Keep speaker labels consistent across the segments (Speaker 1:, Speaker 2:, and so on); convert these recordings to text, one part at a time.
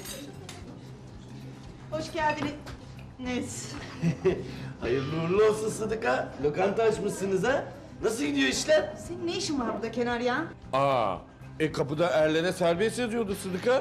Speaker 1: Hoş geldiniz.
Speaker 2: Hayırlı uğurlu olsun Sıdıka. Lokanta açmışsınız ha? Nasıl gidiyor işler?
Speaker 1: Senin ne işin var burada Kenar ya?
Speaker 2: Kapıda erlere serbest yazıyordu Sıdıka.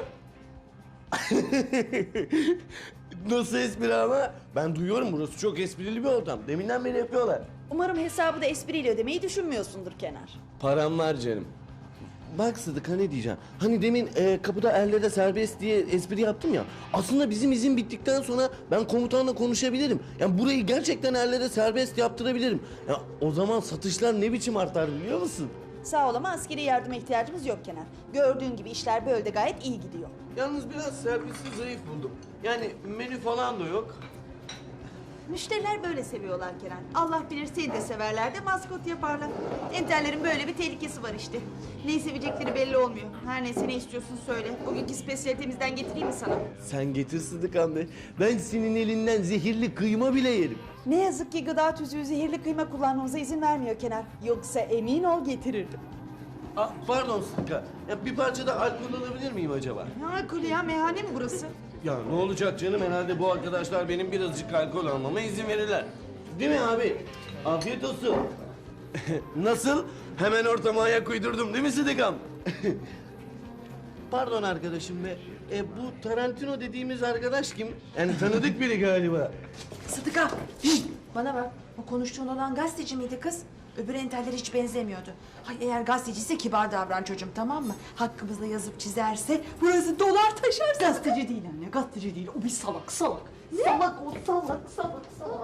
Speaker 2: Nasıl espri ama? Ben duyuyorum, burası çok esprili bir ortam. Deminden beri yapıyorlar.
Speaker 1: Umarım hesabı da espriyle ödemeyi düşünmüyorsundur Kenar.
Speaker 2: Param var canım. Bak Sıdıka, ne diyeceğim? Hani demin kapıda erlere serbest diye espri yaptım ya. Aslında bizim izin bittikten sonra ben komutanla konuşabilirim. Yani burayı gerçekten erlere serbest yaptırabilirim. Ya o zaman satışlar ne biçim artar biliyor musun?
Speaker 1: Sağ ol ama askeri yardıma ihtiyacımız yok Kenar. Gördüğün gibi işler böyle de gayet iyi gidiyor.
Speaker 2: Yalnız biraz servisi zayıf buldum. Yani menü falan da yok.
Speaker 1: Müşteriler böyle seviyorlar Kenar. Allah bilir seni de severler de maskot yaparlar. Enterlerin böyle bir tehlikesi var işte. Neyi sevecekleri belli olmuyor. Her neyse, ne istiyorsun söyle. Bugünkü spesiyalitemizden getireyim mi sana?
Speaker 2: Sen getir Sıdıkan be. Ben senin elinden zehirli kıyma bile yerim.
Speaker 1: Ne yazık ki gıda tüzüğü zehirli kıyma kullanmamıza izin vermiyor Kenar. Yoksa emin ol getirirdim.
Speaker 2: Pardon Sıdıka. Ya bir parça da alkol alabilir miyim acaba?
Speaker 1: Ne alkolü ya? Meyhane mi burası?
Speaker 2: Ya ne olacak canım, herhalde bu arkadaşlar benim birazcık alkol almama izin verirler. Değil mi abi? Afiyet olsun. Nasıl? Hemen ortama ayak uydurdum değil mi Sıdıkam? Pardon arkadaşım be. Bu Tarantino dediğimiz arkadaş kim? Yani tanıdık biri galiba.
Speaker 3: Sıdıka, bana bak. O konuştuğun olan gazeteci miydi kız? Öbür enteller hiç benzemiyordu. Hay eğer gazeteciyse kibar davran çocuğum, tamam mı? Hakkımızda yazıp çizerse burası dolar taşar.
Speaker 1: Gazeteci değil anne, gazeteci değil. O bir salak, salak. Ne? Salak o, salak.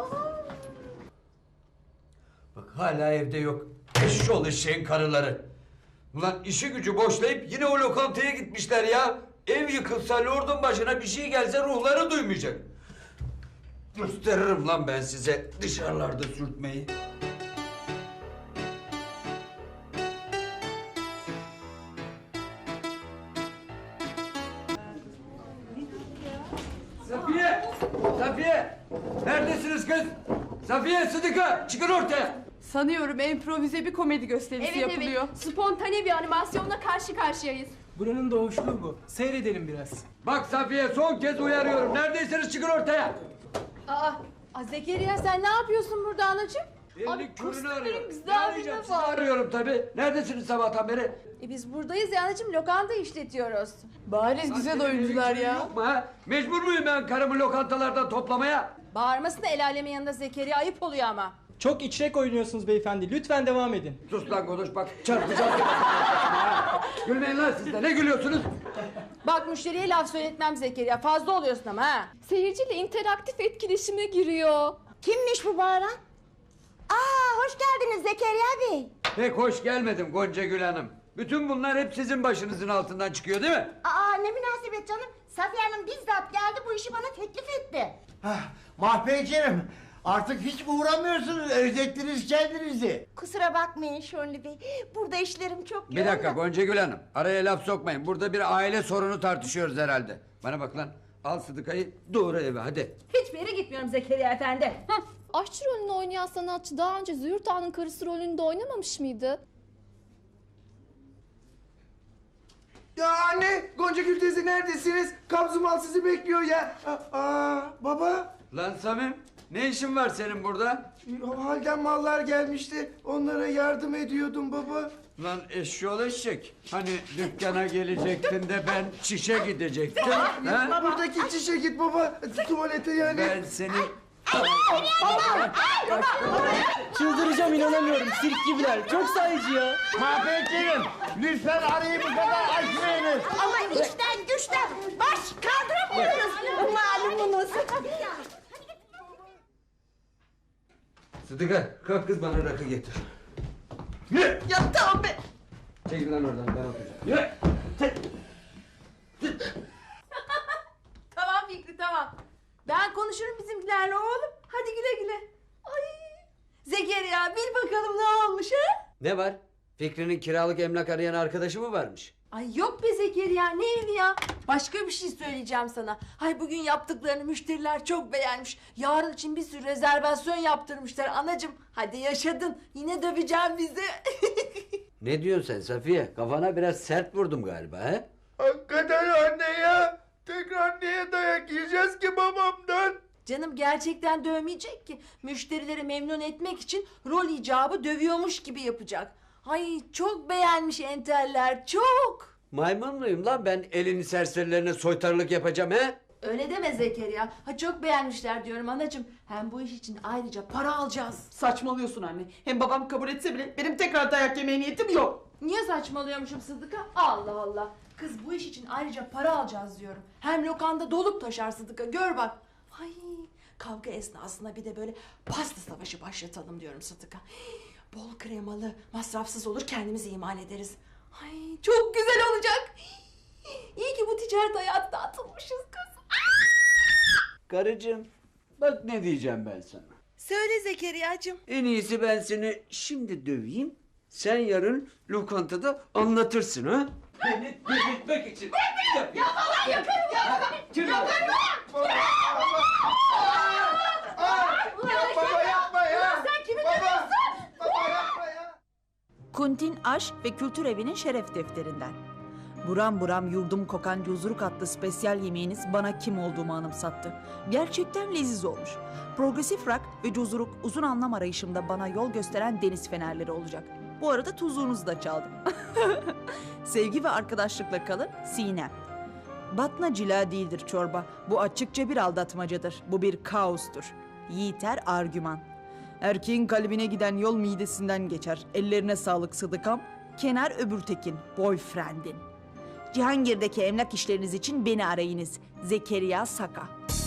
Speaker 4: Bak hala evde yok. Eşşoğlu eşeğin karıları. Ulan işi gücü boşlayıp yine o lokantaya gitmişler ya. Ev yıkılsa, lordun başına bir şey gelse ruhları duymayacak. Gösteririm lan ben size dışarılarda sürtmeyi. Safiye! Safiye! Neredesiniz kız? Safiye, Sıdıka çıkın ortaya!
Speaker 5: Sanıyorum improvize bir komedi gösterisi yapılıyor.
Speaker 6: Evet, spontane bir animasyonla karşı karşıyayız.
Speaker 7: Buranın doğuşluğu bu. Seyredelim biraz.
Speaker 4: Bak Safiye, son kez uyarıyorum. Neredeyseniz çıkın ortaya!
Speaker 6: Zekeriya sen ne yapıyorsun burada anacığım?
Speaker 4: Elini körünü arıyorum.
Speaker 6: güzel
Speaker 4: Ne arayacağım?
Speaker 6: bir
Speaker 4: Sizi
Speaker 6: var.
Speaker 4: arıyorum tabii. Neredesiniz sabahtan beri?
Speaker 6: Biz buradayız ya anacığım, lokanta işletiyoruz.
Speaker 5: Bariz güzel oyuncular ya.
Speaker 4: Yok mu ha? Mecbur muyum ben karımı lokantalardan toplamaya?
Speaker 6: Bağırmasına el alemin yanında Zekeriya, ayıp oluyor ama.
Speaker 7: Çok içrek oynuyorsunuz beyefendi. Lütfen devam edin.
Speaker 4: Sus lan konuş bak, çarpacağım. Gülmeyin lan siz de, ne gülüyorsunuz?
Speaker 6: Bak müşteriye laf söyletmem Zekeriya, fazla oluyorsun ama ha.
Speaker 8: Seyirciyle interaktif etkileşime giriyor.
Speaker 3: Kimmiş bu bağıran? Hoş geldiniz Zekeriya Bey.
Speaker 4: Pek hoş gelmedim Gonca Gül Hanım. Bütün bunlar hep sizin başınızın altından çıkıyor değil mi?
Speaker 3: Ne münasebet canım. Safiye Hanım bizzat geldi, bu işi bana teklif etti.
Speaker 9: Mahpeyciğim, artık hiç uğramıyorsunuz, özlettiniz kendinizi.
Speaker 3: Kusura bakmayın Şönlü Bey. Burada işlerim çok yoğun.
Speaker 4: Bir dakika Gonca Gül Hanım, araya laf sokmayın. Burada bir aile sorunu tartışıyoruz herhalde. Bana bak lan, al Sıdıka'yı doğru eve hadi.
Speaker 6: Hiçbir yere gitmiyorum Zekeriya efendi.
Speaker 8: Aşçı rolünü oynayan sanatçı daha önce Züğürt Ağa'nın karısı rolünde oynamamış mıydı?
Speaker 9: Ya anne, Gonca Gül teyze neredesiniz? Kabzumal sizi bekliyor ya. Baba,
Speaker 4: Lan Samim, ne işin var senin burada?
Speaker 9: halden mallar gelmişti, onlara yardım ediyordum baba.
Speaker 4: Lan eşşoğlu eşek. Hani dükkana gelecektin de ben çişe gidecektim. ha?
Speaker 9: Buradaki çişe git baba, tuvalete yani.
Speaker 4: Ben seni...
Speaker 7: Çıldıracağım, inanamıyorum. Sirk gibiler. Çok sayıcı ya.
Speaker 9: Mahpeyciğim, lütfen arayı bu kadar açmayınız.
Speaker 3: Ama içten güçten baş kaldıramıyoruz. Malumunuz.
Speaker 4: Sıdıka, kalk kız bana rakı getir.
Speaker 1: Ya tamam be.
Speaker 4: Çekil lan oradan, ben oturacağım.
Speaker 6: Tamam Fikri, tamam. Ben konuşurum bizimkilerle oğlum. Hadi güle güle. Ay. Zekeriya bil bakalım ne olmuş ha?
Speaker 4: Ne var? Fikri'nin kiralık emlak arayan arkadaşı mı varmış?
Speaker 6: Ay yok be Zekeriya, ne evi ya? Başka bir şey söyleyeceğim sana. Hay bugün yaptıklarını müşteriler çok beğenmiş. Yarın için bir sürü rezervasyon yaptırmışlar anacığım. Hadi yaşadın. Yine döveceğim bizi.
Speaker 4: Ne diyorsun sen Safiye? Kafana biraz sert vurdum galiba he?
Speaker 9: Hakikaten anne ya, tekrar niye dayak yiyeceğiz ki babamdan?
Speaker 6: Canım gerçekten dövmeyecek ki. Müşterileri memnun etmek için rol icabı dövüyormuş gibi yapacak. Ay çok beğenmiş enteller, çok.
Speaker 4: Maymun muyum lan ben elini serserilerine soytarılık yapacağım he?
Speaker 6: Öyle deme Zekeriya. Ha çok beğenmişler diyorum anacığım. Hem bu iş için ayrıca para alacağız.
Speaker 1: Saçmalıyorsun anne. Hem babam kabul etse bile benim tekrar dayak yemeye niyetim yok.
Speaker 6: Niye saçmalıyormuşum Sıdıka? Allah Allah. Kız bu iş için ayrıca para alacağız diyorum. Hem lokanda dolup taşar Sıdıka, gör bak. Ay kavga esnasında bir de böyle pasta savaşı başlatalım diyorum Sıdıka. Bol kremalı, masrafsız olur, kendimizi imal ederiz. Ay çok güzel olacak. İyi ki bu ticaret hayatına atılmışız kız.
Speaker 4: Karıcığım bak ne diyeceğim ben sana.
Speaker 1: Söyle Zekeriya'cığım.
Speaker 4: En iyisi ben seni şimdi döveyim. Sen yarın lokantada anlatırsın ha? Beni delirtmek için. Ya falan yakarım ya.
Speaker 9: Baba yapma ya.
Speaker 6: Sen kimi
Speaker 9: Baba.
Speaker 6: dövüyorsun?
Speaker 9: Baba yapma ya.
Speaker 10: Kuntin Aşk ve Kültür Evi'nin şeref defterinden. Buram buram yurdum kokan cuzuruk adlı spesyal yemeğiniz bana kim olduğumu anımsattı. Gerçekten leziz olmuş. Progresif rock ve cuzuruk uzun anlam arayışımda bana yol gösteren deniz fenerleri olacak. Bu arada tuzluğunuzu da çaldım. Sevgi ve arkadaşlıkla kalın, Sinem. Batna cila değildir çorba. Bu açıkça bir aldatmacadır. Bu bir kaostur. Yiğiter argüman. Erkeğin kalbine giden yol midesinden geçer. Ellerine sağlık Sıdıkam. Kenar Öbürtekin, boyfriendin. Cihangir'deki emlak işleriniz için beni arayınız. Zekeriya Saka.